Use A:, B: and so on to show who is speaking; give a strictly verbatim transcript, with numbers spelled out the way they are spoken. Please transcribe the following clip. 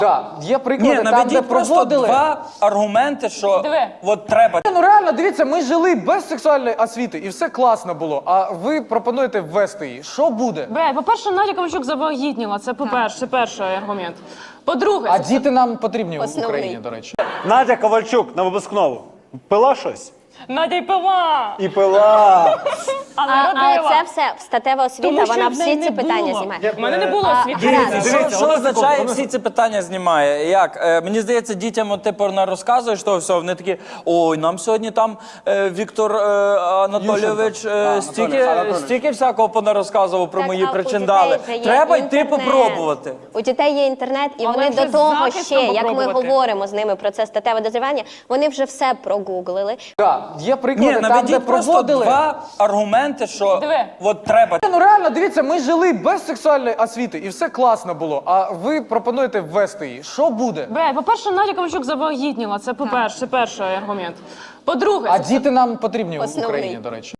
A: Так, є приклади,
B: Ні,
A: там,
B: наведіть
A: де
B: просто
A: проводили.
B: два аргументи, що
C: Диви.
B: от треба.
A: Ну реально, дивіться, ми жили без сексуальної освіти і все класно було, а ви пропонуєте ввести її. Що буде?
C: Бе, по-перше, Надя Ковальчук завагітніла. Це по-перше, це перший аргумент. По-друге,
A: А діти нам потрібні в
D: Основний.
A: Україні, до речі.
E: Надя Ковальчук на випускному пила щось?
C: Надя й пила,
E: І пила.
C: але
D: А, а
C: родила.
D: це все статева освіта,
C: Тому що
D: вона
C: в неї
D: всі
C: не
D: ці питання
C: було.
D: знімає.
C: У мене не було
D: А,
C: освіти.
D: гаразд.
E: Дивіться,
B: Що,
E: дивіться,
B: що
E: одну
B: означає
E: секунду,
B: всі ці питання знімає? Як? Е, мені здається, дітям от, типу, не розказуєш того всього, вони такі, ой, нам сьогодні там е, Віктор е, Анатолійович е, стільки, стільки всякого понарозказував про
D: Так,
B: мої
D: а у
B: причиндали.
D: дітей же є
B: Треба йти
D: інтернет.
B: попробувати.
D: У дітей є інтернет, і
C: Але
D: вони
C: вже
D: до того
C: з захистом
D: ще, як ми
C: попробувати.
D: говоримо з ними про це статеве дозрівання, вони вже все прогуглили.
A: Так, є приклади,
B: Ні,
A: там, де
B: наведіть просто
A: проводили.
B: два аргументи, що
C: Диви.
B: от треба.
A: Ну реально, дивіться, ми жили без сексуальної освіти і все класно було, а ви пропонуєте ввести її. Що буде?
C: Бе, по-перше, Надя Ковальчук завагітніла. Це по-перше, це перший аргумент. По-друге,
A: А діти нам потрібні в
D: Основний.
A: Україні, до речі.